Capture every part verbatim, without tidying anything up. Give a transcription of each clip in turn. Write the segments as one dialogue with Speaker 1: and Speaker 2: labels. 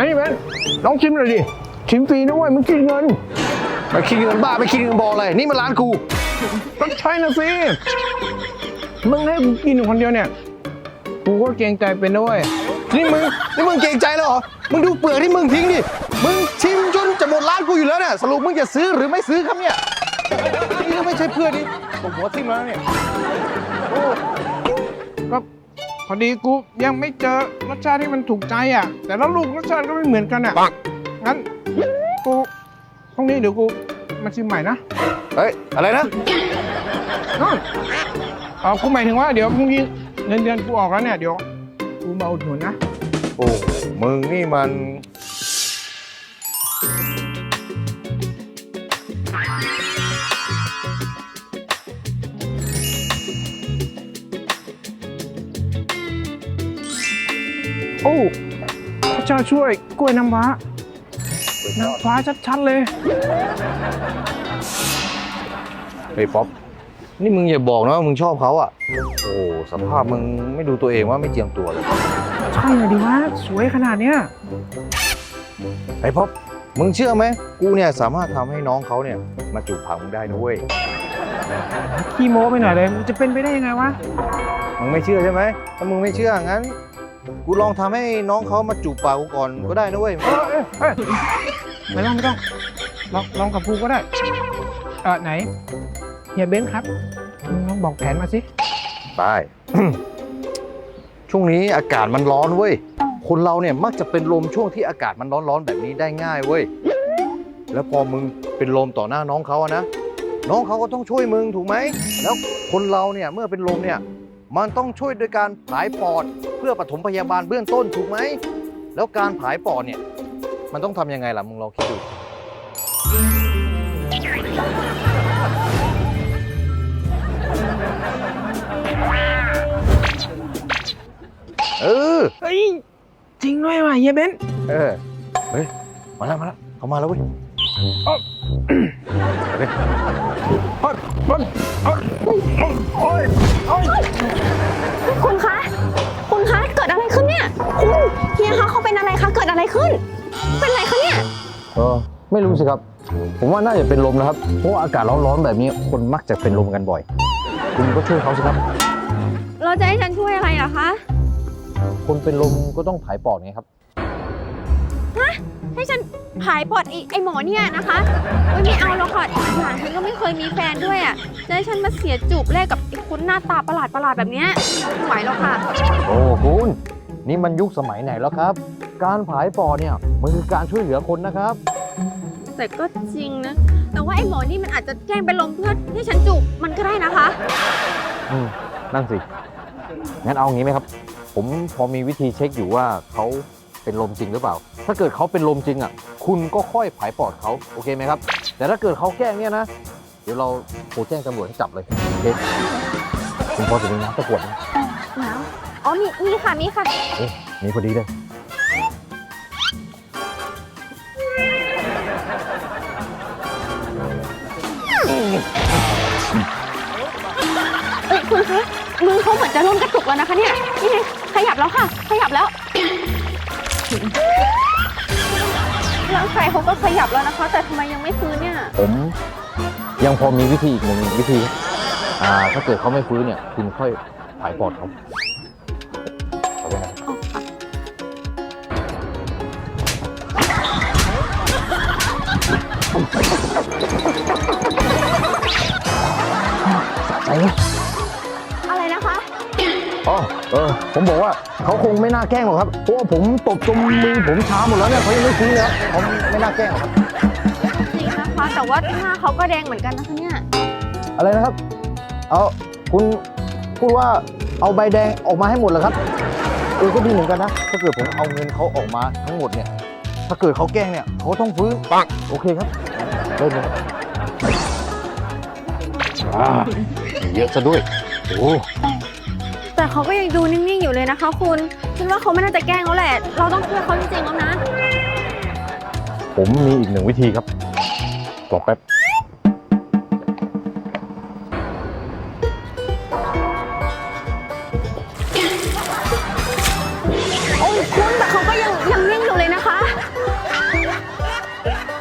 Speaker 1: นี่เบนลองชิมหน่อยดิชิมฟรีนะเว้ยมึงคิดเงินไปคิดเงินบ้าไปคิดเงินบออะไรนี่มันร้านกูต้องใช่นะสิมึงให้กูกินคนเดียวเนี่ยกูก็เกรงใจเป็นนะเว้ยนี่มึงนี่มึงเกรงใจแล้วเหรอมึงดูเปลือกที่มึงทิ้งดิมึงชิมจนจะหมดร้านกูอยู่แล้วเนี่ยสรุปมึงจะซื้อหรือไม่ซื้อครับเนี่ยนี่ไม่ใช่เพื่อนดิผมหัวทิ่มแล้วเนี่ยโอ้ก็พอดีกูยังไม่เจอรสชาติที่มันถูกใจอ่ะแต่ละลูกรสชาติก็ไม่เหมือนกันอ่ะงั้นกูพรุ่งนี้เดี๋ยวกูมาชิมใหม่นะเฮ้ยอะไรนะอ๋อกูหมายถึงว่าเดี๋ยวพรุ่งนี้เงินเดือนกูออกแล้วเนี่ยเดี๋ยวกูมาอุดหนุนนะโอ้มึงนี่มันโอ้พระเจ้าช่วยกล้วยน้ำว้าน้ำฟ้าชัดๆเลยเฮ้ยป๊อปนี่มึงอย่าบอกนะว่ามึงชอบเขาอ่ะโอ้สภาพมึงไม่ดูตัวเองว่าไม่เจียมตัวเลยใช่เลยดิวะสวยขนาดเนี้ยไอ้ป๊อปมึงเชื่อไหมกูเนี่ยสามารถทำให้น้องเขาเนี่ยมาจูบปากมึงได้นะเว้ยขี้โม้ไปหน่อยเลยมันจะเป็นไปได้ยังไงวะมึงไม่เชื่อใช่ไหมถ้ามึงไม่เชื่องั้นกูลองทำให้น้องเขามาจูบปากกูก่อนก็ได้นะเว้ยเออเออไม่ต้องไม่ต้องลองลองกับกูก็ได้เออไหนเฮียเบนซ์ครับลองบอกแผนมาสิไป ช่วงนี้อากาศมันร้อนเว้ยคนเราเนี่ยมักจะเป็นลมช่วงที่อากาศมันร้อนๆแบบนี้ได้ง่ายเว้ยแล้วพอมึงเป็นลมต่อหน้าน้องเขาอะนะน้องเขาก็ต้องช่วยมึงถูกไหมแล้วคนเราเนี่ยเมื่อเป็นลมเนี่ยมันต้องช่วยโดยการผายปอดเพื่อปฐมพยาบาลเบื้องต้นถูกไหมแล้วการผายปอดเนี่ยมันต้องทำยังไงล่ะมึงลองคิดดูเออเฮ้ยจริงด้วยว่ะเฮียเบนซ์เออเฮ้ยมาแล้วมาแล้วเขามาแล้วเว้ยโอ้ยโอ้ยโอ้ยโอ้ยโอ้ยโอ้ย
Speaker 2: คุณคะคุณคะเกิดอะไรขึ้นเนี่ยคุณเฮียคะเขาเป็นอะไรคะเกิดอะไรขึ้นเป็นอะไรคะเนี่ย
Speaker 1: เออไม่รู้สิครับผมว่าน่าจะเป็นลมนะครับเพราะว่าอากาศร้อนๆแบบนี้คนมักจะเป็นลมกันบ่อยคุณก็ช่วยเขาสิครับ
Speaker 2: เราจะให้ฉันช่วยอะไรเหรอคะ
Speaker 1: คนเป็นลมก็ต้องผายปอดไงครับ
Speaker 2: ฮะให้ฉันผายปอดไอ้ไอหมอเนี่ยนะคะไม่เอาแล้วค่ะหลานฉันก็ไม่เคยมีแฟนด้วยอ่ะจะให้ฉันมาเสียจูบแรกกับไอ้คนหน้าตาประหลาดประหลาดแบบนี้ไม่ไหวแล้วค่ะ
Speaker 1: โอ้คุณนี่มันยุคสมัยไหนแล้วครับการผายปอดเนี่ยมันคือการช่วยเหลือคนนะครับ
Speaker 2: แต่ก็จริงนะแต่ว่าไอ้หมอนี่มันอาจจะแกล้งเป็นลมเพื่อให้ฉันจูบมันก็ได้นะคะ
Speaker 1: อืมนั่นสิงั้นเอางี้ไหมครับผมพอมีวิธีเช็คอยู่ว่าเขาเป็นลมจริงหรือเปล่าถ้าเกิดเขาเป็นลมจริงอ่ะคุณก็ค่อยผายปอดเขาโอเคไหมครับแต่ถ้าเกิดเขาแกล้งเนี่ยนะเดี๋ยวเราโทรแจ้งตำรวจให้จับเลยโอเคคุณพอจะมีน้ำตะกวดไหม
Speaker 2: น้ำอ๋อมีมีค่ะมีค่ะ
Speaker 1: เอ๊ะมีพอดีเลย
Speaker 2: เอ้ยคุณคะมือเขาเหมือนจะเริ่มกระตุกแล้วนะคะเนี่ยนี่ไงขยับแล้วค่ะขยับแล้วร่างกายเขาก็ขยับแล้วนะคะแต่ทำไมยังไม่ฟื้นเนี่ย
Speaker 1: ผมยังพอมีวิธีอีกหนึ่งวิธีอ่าถ้าเกิดเขาไม่ฟื้นเนี่ยคุณค่อยผายปอดเขาเอาไปนะสะใจไหม
Speaker 2: อะไรนะคะ
Speaker 1: อ๋อเออผมบอกว่าเขาคงไม่น่าแกล้งหรอกครับเพราะว่าผมตบจนมือผมช้าหมดแล้วเนี่ยเขายังไม่ฟื้นเลยครับเขาไม่น่าแกล้งหรอกครับ
Speaker 2: จริงนะคะแต่ว่าหน้าเขาก็แดงเหมือนกันนะคะเนี่ย
Speaker 1: อะไรนะครับเอาคุณพูดว่าเอาใบแดงออกมาให้หมดเหรอครับเออก็ดีเหมือนกันนะถ้าเกิดผมเอาเงินเขาออกมาทั้งหมดเนี่ยถ้าเกิดเขาแกล้งเนี่ยเขาต้องฟื้นปังโอเคครับเริ่มเลยอ่าเยอะซะด้วยโอ้
Speaker 2: แต่เขาก็ยังดูนิ่งๆอยู่เลยนะคะคุณคิดว่าเขาไม่น่าจะแกล้งแล้วแหละเราต้องช่วยเขาจริงๆแล้วนะ
Speaker 1: ผมมีอีกหนึ่งวิธีครับรอแป๊บ
Speaker 2: โอ้ยคุณแต่เขาก็ยังยังนิ่งอยู่เลยนะคะ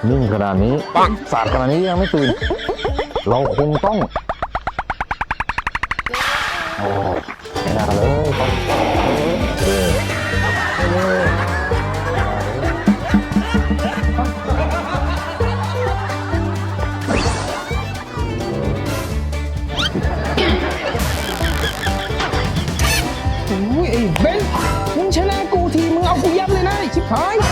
Speaker 1: นิ่งขนาดนี้สาดขนาดนี้ยังไม่ตื่น เราคงต้องโอ้ไม่น่าเลยต้องเออโอ้ยไอ้เบนมึงชนะกูทีมึงเอากูยับเลยนะไอ้ชิบหาย